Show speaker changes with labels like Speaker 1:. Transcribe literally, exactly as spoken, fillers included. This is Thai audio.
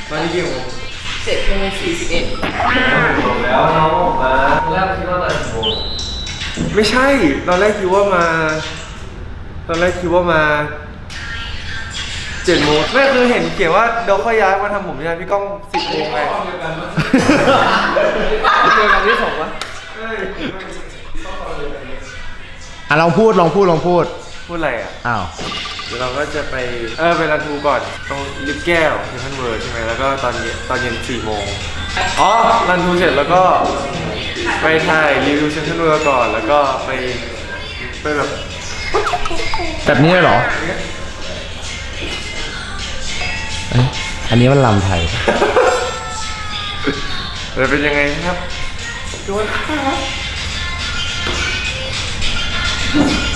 Speaker 1: ตอนนี้กี่โมง
Speaker 2: เจ็ดโมงสี่สิบเอ็ด
Speaker 1: จบแล้วน้องมาตอนแรกคิดว่ามากี่โมงไม่ใช่ตอนแรกคิดว่ามาตอนแรกคิดว่ามาเจ็ดโมงไม่คือเห็นเขียนว่าเดี๋ยวค่อยย้ายมาทำผมใช่ไหมพี่ก้องสิบโมงไงเจอกันที่สองวะ
Speaker 3: อ่ะลองพูดลองพูดลองพูด
Speaker 1: พูดอะไรอ่ะ
Speaker 3: อ้าว
Speaker 1: เดี๋ยวเราก็จะไปเออไปรันทูก่อนตรงลิฟต์แก้วเซนทรัลเวิลด์ใช่ไหมแล้วก็ตอนเย็นตอนเย็นสี่โมงอ๋อรันทูเสร็จแล้วก็ไปถ่ายรีวิวเซนทรัลเวิลด์ก่อนแล้วก็ไปไปแบบ
Speaker 3: แบบนี้เลยเหรอเอ้ยอันนี้มันลำไทย
Speaker 1: จะเป็นยังไงครับโดนครับ